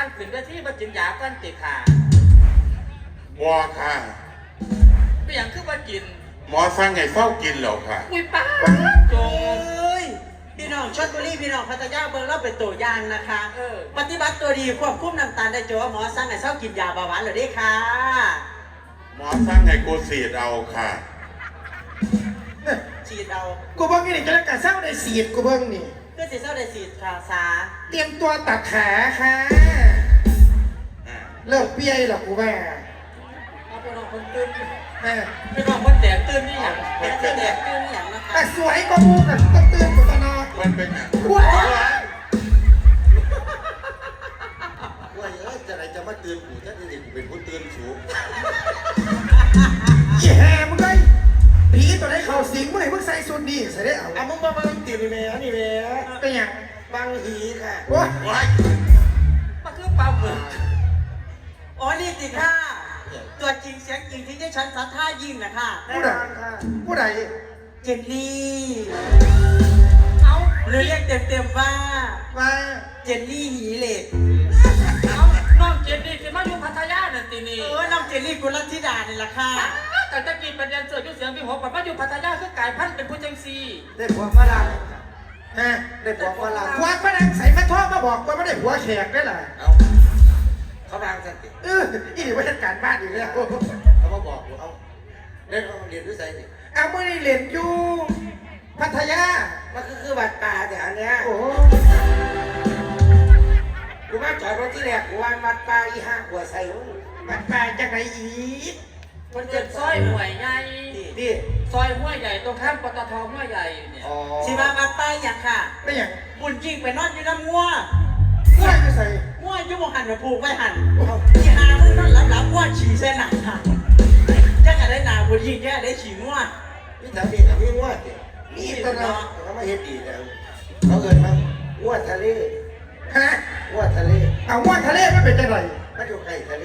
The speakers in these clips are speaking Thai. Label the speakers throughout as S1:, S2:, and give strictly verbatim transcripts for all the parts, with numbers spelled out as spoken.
S1: งขึ้นก็ที่มากินยาก้อนติดขา
S2: บัวค่ะ
S1: ไม่อย่างคือมากิน
S2: หมอสั่งไงเฝ้ากินเหรอค่ะ
S1: อุ้ยป้าจง
S3: เอ้ยพี่น้องชลบุรีพี่น้องพัทยาเบิ่งเราเป็นตัวอย่างนะคะเออปฏิบัติตัวดีควบคุมน้ำตาลได้โจหมอสั่งให้เศร้ากินยาเบาหวานเลยดิค่ะ
S2: หมอสั่งไงกูสีดเอาค่ะ
S3: ฉีดเอา
S4: กูเบิ้งนี่จะรักษาเศร้าได้สีดกูเบิ้งนี่
S3: เพื่อสีเศร้าได้ฉีดค่ะสา
S4: เตรียมตัวตัดขาค่ะเลิกเปี้ยหรอกูแม่
S3: เอาไปนอนคนตื่น
S1: ไปนอนคนแตกตื่นนี่อย่าง
S3: แตกตื่นแตกตื่นอย่างนะคะ
S4: แต่สวยก็มูกับต้องตื่นกูตลอด
S2: มันเป็นอย่าง
S4: ว้าว
S2: ว่าเออจะไหนจะมาตื่นกูถ้าจะกูเป็นผู้ตื่นสูง
S4: ยี่แห่มึงไงผีตัวไหนเข่าสิงมึงไหนมึงใส่สุดนี่ใส่ได้เอา
S2: อ่ะมึงมาบังตีนี่แม่นี่แม่
S4: เป็นอย่าง
S2: บังหีค่ะ
S4: ว้า
S1: มาคือปลาหมึก
S3: อ๋อนี่สิค่ะตัวจริงเสียงจริงที่ได้ฉันสัทธายิ่งนะคะ
S4: ผู้ใดผู้ใด
S3: เจนนี่
S1: เอา
S3: หรือเรียกเต็มๆว่า
S4: ว่า
S3: เจนนี่หีเหล็ก
S1: เอาน้องเจนนี่คือมาอยู่พัทยาเนี่ยตีนี่
S3: เออน้องเจนนี่กุลธิดาเนี่ยละค่ะ
S1: แต่ตะกี้ประเด็นเสือยุ่เสียงพี่หัวแบบมาอยู่พัทยาคือกายพันธุ์เป็นผู้จังซี
S3: ได้ผัวฝรั่ง
S4: ฮะ
S3: ได้ผัวฝรั่ง
S4: ผัวฝรั่งใส่มาท่อมาบอกว่าไม่ได้ผัวแขกได้หรอ
S2: เอาเขาบางสันติ
S4: เอออีนี่ว่าจัดการบ้านอยู่แล้ว
S2: เขามาบอกเอาเล่นเรียนด้วยใจสิ
S4: เอาไม่ได้เรียนอยู่พัทยา
S3: มันก็คือบัตรตาแต่อันเนี้ย
S4: โอ้
S3: กูมาจอดรถที่แรกกูวางบัตรตาอีห้าหัวใส่หู
S4: บัตรตาจากไหนอีก
S1: มันเกิดซอยห่วยใหญ่
S3: ดิ
S1: ซอยห้วยใหญ่ตรงข้ามปตทห้วยใหญ่เนี่ย
S3: สิมาบัตรตาอย่างค่ะ
S4: ไม่อย่าง
S3: บุญจริงไปนอนอยู่น้ำงัว
S4: งัวจะใส่
S3: งัวยุ่งหันมาผูกไว้หันที่หามันนอนหลับหลับงัวฉี่เส้นหนักค่ะจะอะไรหนาบุญจริงแค่ได้ฉี่งัว
S2: นี่ทำดีทำนี่งัวเด็ก
S3: นี่ตัวเนาะ
S2: เขาไม่เห็นดีแล้วเขาเกิดมางัวทะเล
S4: ฮะ
S2: งัวทะเล
S4: เอางัวทะเลไม่เป็นจังไร
S2: ไม่อยู่ใกล้ทะเล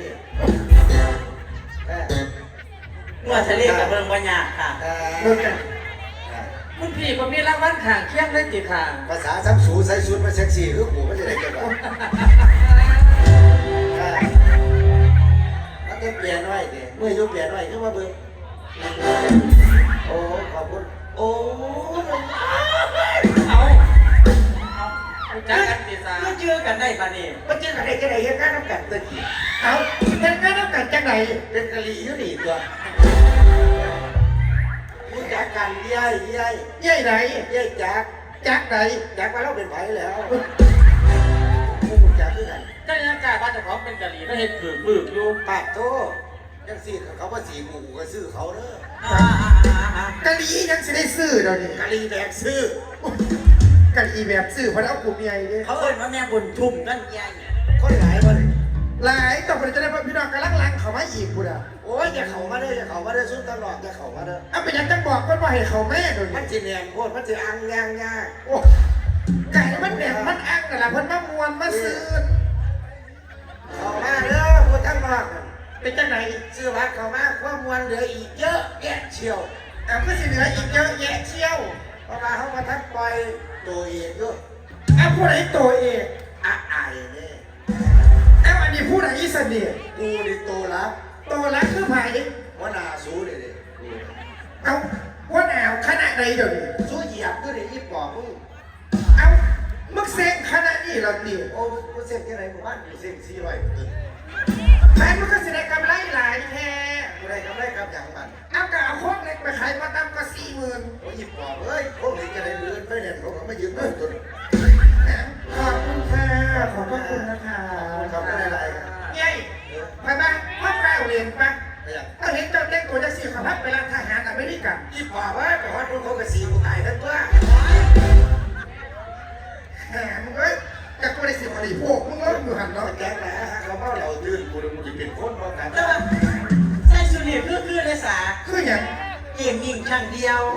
S3: งัวทะเลกับเมืองปัญญาค่ะ
S4: เบิ่งกัน
S1: คุณพี่ก็มีรางวัลข่างเคียงเลยติค่ะ
S2: ภาษาซ้ำสูใส่ชุดมาเซ็กซี่คือกูไม่ได้เกิดว่าแล้วก็เปลี่ยนหน่อยดิเมื่อยุเปลี่ยนหน่อยขึ้นมาเบิ่งโอ้ขอบคุณโอ้
S1: เอาจักกันติสา
S3: เชื่อกันได้ปะเนี่ย
S2: มันเจอกันได้กันได้ยังไงน้ำกันตะกี้
S4: เอาเป็นงานน้ำกันจังไหน
S2: เป็นกะหรี่อยู่นี่ตัวมึงจักกันยัยยัย
S4: ยัยไหน
S2: ยัยจัก
S4: จักไหน
S2: จักมาแล้วเป็นไผ่แล้วมึงจักคือกัน
S1: ก็ยังกล้าว่าจะพร้อมเป็นกะหรี่ก็เห็นผืนบึกอยู่
S2: ปากโตยังสีเขาว่าสีหมูก็ซื้อเขาเด้
S4: อกะหรี่ยังสิได้ซื้อเดี๋ยวนี้
S2: กะหรี่แบกซื้
S4: อกะหรี่แบบซื้อเพราะเอากลุ่มใหญ่ดิ
S3: เขาเอ่ยว่าแม่บุญทุ่มนั่นใหญ่
S2: คนหลายคน
S4: หลายต่อไปจะได้พี่น้องกำลังลังเขามาอีกกูอ่ะ
S2: โอ้ยอย่าเขามาเด้ออย่าเขามาเด้อซุ่มตลอดอย่าเขามาเด้อ
S4: เอาไปยังจังบอกก็ว่าให้เขาแม่เดี๋ยวนี้
S2: มันจีเนียนโคตรมันจีอังยางยาก
S4: โอ้ไก่มันเนี่ยมันอังแต่ละเพิ่นมามวนมาซื้อ
S2: เขามาเด้อพูดทั้งนอก
S4: เป็นจังไหน
S2: ซื้อวัดเขามาความมวลเหลืออีกเยอะแยะเชียว
S4: เอาก็สิเหลืออีกเยอะแยะเชี่ยว
S2: เพราะว่าเขามาทักปล่อยตัวเองด้วย
S4: เอาผู้ใดตัวเอง
S2: อะไอเนี่ย
S4: เอาอันนี้ผู้ใดอีสนิท
S2: กูดิโตรับ
S4: โตรับคือไผ่
S2: ว่านาสู้เลยดิ
S4: เอาว่าแนวขนาดใดเดี๋ยวนี้
S2: สู้เหยียบก็เลยยี่ปอบมึง
S4: เอามึงเซ็งขนาดนี้เราดิ
S2: โอ้กูเซ็งที่ไหนกูบ้านกูเซ็งสี่ร้อยตึ้ง
S4: แม่มึงก็แสดงกำไรหลายแท้
S2: กูได้กำไรกับอย่างมัน
S4: เอากะเอาโค้งเล็กไปขายมาตามก็สี่หมื่น
S2: โอ้ยยี่ปอบเอ้ยพวกนี้จะได้เลื่อนไปเนี่ยเขาไม่ยืนต้นต้น
S4: ขอบคุณค่ะขอบพระคุณนะคะ
S2: เขาไม่ได้ไร
S4: ยัยไปบ้างพ่อแก้วเรียนปะถ้าเห็นเจ้าเด็กตัวจะสี่ขับพับไปร้านทหารอเมริกัน
S2: ยี่ปอบเอ้ยแต่ว่าพวกเขากระสีกูตายทั้งตัว
S4: แหมมึงเอ้ยจะกูได้สิบอะไรพวกมึงเอ้ยอยู่หันเนาะ
S2: แกงแหละเขาเมาเหล่าตื่นกูเลยมึงจะเป็นคนมองกัน
S3: ใช่สุริคือคือเลยสา
S4: คืออย่าง
S3: เกี่ยงยิงช่างเดียว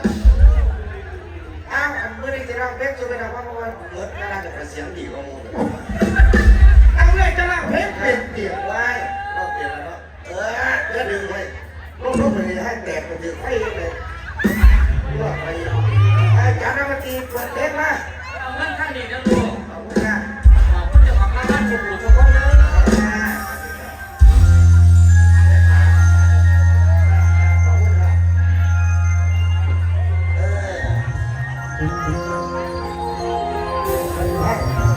S2: อ้าวเมื่อไรจะร้องเพลงจะไปทำว่าเพราะว่าเมื่อน่าจะเสียงดีกว่ามูเลย
S4: เอาเลยจะร้องเพลงเป็นเดี่ยว
S2: ไว้ร้องเปลี่ยนแล้วเนาะเออเดี๋ยวดึงไว้ลูกๆเลยให้แตกมันถึงไฟเลยว่าไปอาจารย์นักดนตรีเปิดเพลงมา
S1: เอาเงินข้างนี้นะลูก
S2: ขอบคุณค่ะ
S1: ขอบคุณเจ้าของร้านชมพูชมพู่
S2: ไป